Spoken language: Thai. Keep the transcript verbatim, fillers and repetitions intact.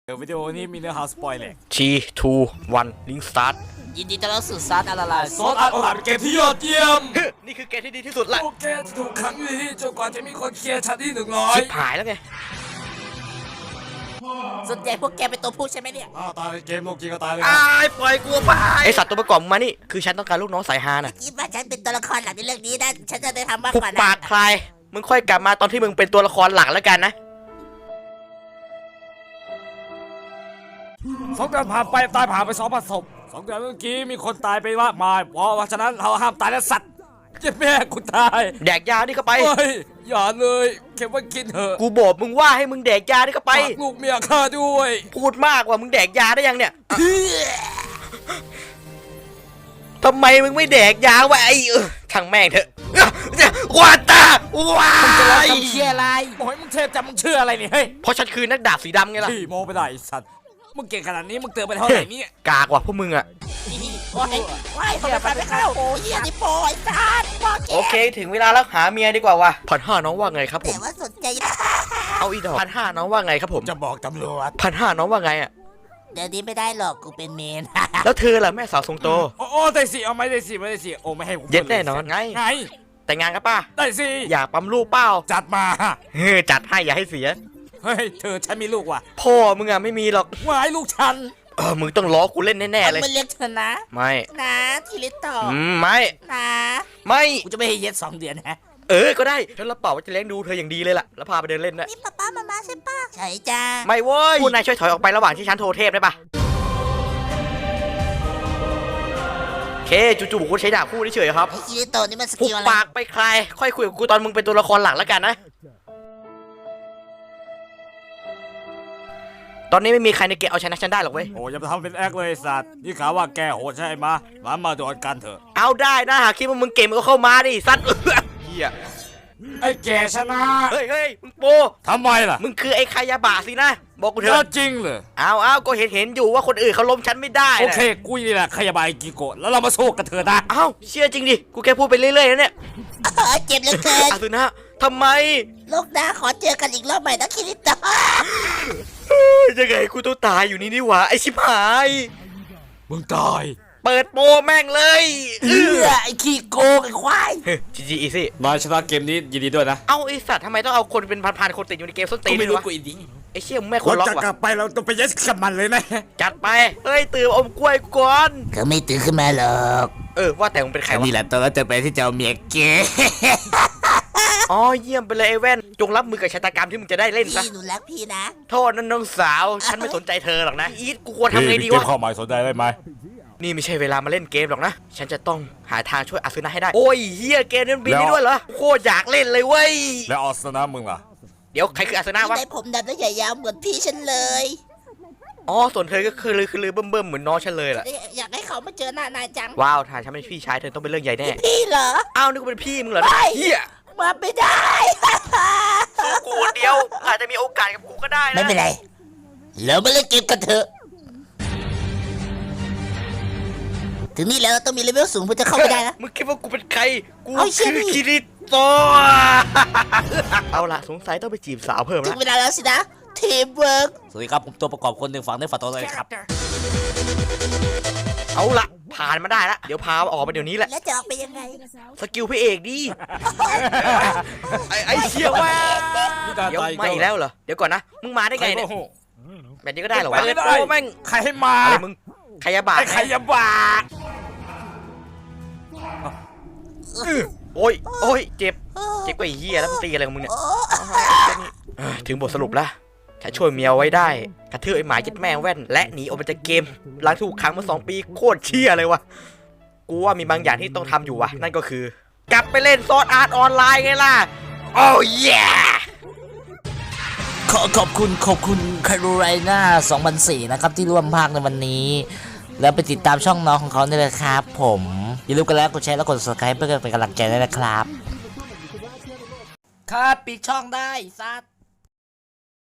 เดี๋ยววิดีโอนี้มีเนื้อหาสปอยล์เลยทีทูวันลิงสตาร์ทยินดีต้อนรับสู่ซาร์อะไรล่ะซอสอาร์ตออนเกมที่ยอดเยี่ยมนี่คือเกมที่ดีที่สุดละโอเคจะถูกขังอยู่ที่จนกว่าจะมีคนเคลียร์ชั้นที่หนึ่งร้อยชิบหายแล้วไงส่วนใหญ่พวกแกเป็นตัวผู้ใช่ไหมเนี่ยอ้าวตายเกมโลกจริงก็ตายเลยไอ้ปล่อยกูไปไอสัตว์ตัวประกอบมานี่คือฉันต้องการลูกน้องสายฮาน่ะคิดว่าฉันเป็นตัวละครหลักในเรื่องนี้นะฉันจะได้ทำมากปุบกว่าปานั้กนใครมึงค่อยกลับมาตอนที่มึงเป็นตัวละครหลักแล้วกันนะสองเดือนผ่านไปตายผ่านไปสองพันศพสองเดือนเมื่อกี้มีคนตายไปมากมายเพราะฉะนั้นเราห้ามตายและสัตว์เจ็บแม่กูตายแดกยานี่เข้าไปเฮ้ยอย่าเลยเก็บไว้กินเถอะกูบอกมึงว่าให้มึงแดกยานี่เข้าไปฝากลูกเมียข้าด้วยพูดมากกว่ามึงแดกยาได้ยังเนี่ยทำไมมึงไม่แดกยาวะไอ้เออช่างแม่งเถอะว้าตาว้าจะรอยทำเชี่ยอะไรโอ้ยมึงเทพจำมึงเชื่ออะไรเนี่ยเฮ้ยเพราะฉันคือนักดาบสีดำไงล่ะพี่โมไปได้ไอ้สัตว์มึงเก่งขนาดนี้มึงเติมไปเท่าไหร่เนี่ยกากว่าพวกมึงอะโอ้ยว้ายทำไมไปไม่เข้าโอ้ยอันนี้โปรยซาร์บอกแกโอเคถึงเวลาแล้วหาเมียดีกว่าวะพันห้าน้องว่าไงครับผแต่มว่าสนใจเอาอีดอกพันห้าน้องว่าไงครับผมจะบอกตำรวจพันห้าน้องว่าไงอะเดี๋ยวนี้ไม่ได้หรอกกูเป็นเมนแล้วเธอล่ะแม่สาวทรงโตโอ้โอ้ได้สิเอาไหมได้สิไม่ได้สิโอ้ไม่ให้กูเย็ดแน่นอนไงไงแต่งงานกันป่ะได้สิอยากปั๊มลูกเปล่าจัดมาเฮ้ยจัดให้อย่าให้เสียเฮ้ยเธอฉันมีลูกว่ะพ่อมึงอะไม่มีหรอกวายลูกฉันเออมึงต้องล้อกูเล่นแน่ๆเลยมันเรียกเธอนะไม่นะทีลิตต่ออืมไม่นะไม่กูจะไม่ให้เย็ดสองเดือนนะเออก็ได้ฉันรับปากว่าจะเลี้ยงดูเธออย่างดีเลยล่ะแล้วพาไปเดินเล่นด้วยนี่ป้าป้ามามาใช่ปะใช่จ้าไม่เว้ยพูดนายช่วยถอยออกไประหว่างที่ฉันโทรเทพได้ปะโอเคจู่ๆบุคคลใช้ดาบคู่เฉยๆครับไอ้ทีลิตโตนี่มันสหุกิบลอะไรปากไปใครค่อยคุยกับกูตอนมึงเป็นตัวละครหลักแล้วกันนะตอนนี้ไม่มีใครในเกมเอาชนะฉันได้หรอกเว้ยโอ้อย่าไปทำเป็นแอคเลยไอ้สัตว์นี่ข่าวว่าแกโหดใช่ไหมมามาโดนกันเถอะเอาได้นะหากคิดว่ามึงเก่งมึงก็เข้ามาดิสัตว์เฮียไอ้แกชนะเฮ้ยเฮ้ยมึงโปทำไมล่ะมึงคือไอ้คายาบะสินะบอกกูเถเอออะจริงเลยเอาเอาก็เห็นเห็นอยู่ว่าคนอื่นเขาล้มฉันไม่ได้โอนะเคกูนี่แหละขยบายกิโกะแล้วเรามาสู้กันเถอะนะเอาเชื่อจริงดิกูแค่พูดไปเรื่อยๆนะเนี่ยเออเจ็บเหลือเกินอาสุนะทำไมลูกนะขอเจอกันอีกรอบใหม่นะคิริโตะเฮ้ยยังไงกูต้องตายอยู่นี่นี่หว่าไอ้ชิบหายมึงตายเปิดโปแม่งเลยเออไอ้ขี้โกงไอ้ควายจีจีอีซี่นายชนะเกมนี้ยินดีด้วยนะเอาไอสัตว์ทำไมต้องเอาคนเป็นพันๆคนติดอยู่ในเกมส้นตีนด้วยวะไอเชี่ยมึงไม่ควรเราล็อกจะกลัว่ะบไปเราต้องไปยัดกับมันเลยนะจัดไปเฮ้ยตื่นอมกล้วยก่อนเขาไม่ตื่นขึ้นมาหรอกเออว่าแต่มึงเป็นใครวะนี่แหละตอนนั้นจะไปที่เจ้าเมียเกอ๋อเยี่ยมไปเลยไอ้แว่นจงรับมือกับชะตากรรมที่มึงจะได้เล่นซะพี่หนูรักพี่นะโทษนั่นน้องสาวฉันไม่สนใจเธอหรอกนะอีทกูควรทำไงดีวะเข้าหมายสนใจได้ไหมนี่ไม่ใช่เวลามาเล่นเกมหรอกนะฉันจะต้องหาทางช่วยอาซึนะให้ได้โอ้ยเฮียเกมนี้มันบินได้ด้วยเหรอโคตรอยากเล่นเลยเว้ยแล้วออสนะมึงล่ะเดี๋ยวใครคืออาซึนะพี่วะได้ผมดำและใหญ่ยาวเหมือนพี่ฉันเลยอ๋อส่วนเธอก็คือลือคือลือเบิ่มเบิ่มๆเหมือนน้องฉันเลยล่ะอยากให้เขามาเจอหน้านายจังว้าวถ้าฉันเป็นพี่ชายเธอต้องเป็นเรื่องใหญ่แน่พี่เหรออ้าวนึกว่าเป็นพี่มึงเหรอไม่เฮียมาไม่ได้สู้กูคนเดียวอาจจะมีโอกาสกับกูก็ได้นะไม่เป็นไรเรามาเล่นเกมกันเถอะถึงนี่แล้วต้องมีเลเวลสูงเพื่อจะเข้าไปได้นะมึงคิดว่ากูเป็นใครกูเอาเชี่คืยอนี่คิริโตะเอาล่ะสงสัยต้องไปจีบสาวเพิ่มถึละงเวลาแล้วสินะทีมเวิร์กสวัสดีครับผมตัวประกอบคนหนึ่งฝั่งในฝั่งตัวเลยครับเอาล่ะผ่านมาได้ละเดี๋ยวพาออกมาเดี๋ยวนี้แหละแล้วจะออกไปยังไงสกิลพระเอกดิไอ้ไอ้เชี่ยว่าเดี๋ยวไม่แล้วเหรอเดี๋ยวก่อนนะมึงมาได้ไงเนี่ยแบบนี้ก็ได้เหรอวะไม่ได้โอ้แม่งใครให้มาอะไรมึงขยะบาดไอ้ใครยาบาโอ้ยโอ้ยเจ็บเจ็บกว่าไอ้เหี้ยแล้วมึงตีอะไรของมึงเนี่ยเอ้ยถึงบทสรุปแล้วฉันช่วยเมียไว้ได้กระทืบไอ้หมายึดแม่แว่นและหนีออกมาจากเกมหลังถูกขังมาสองปีโคตรเชี่ยเลยวะกูว่ามีบางอย่างที่ต้องทำอยู่วะนั่นก็คือกลับไปเล่นซอสอาร์ตออนไลน์ไงล่ะโอ้ยขอขอบคุณขอบคุณคารูไรน่าสองพันสี่นะครับที่ร่วมภาคในวันนี้ แล้วไปติดตามช่องน้องของเขาได้เลยครับผมอย่าลืมกันแล้วกดแชร์และกด ซับสไครบ์ เพื่อเป็นกำลังใจด้วยนะครับครับปิดช่องได้ซัด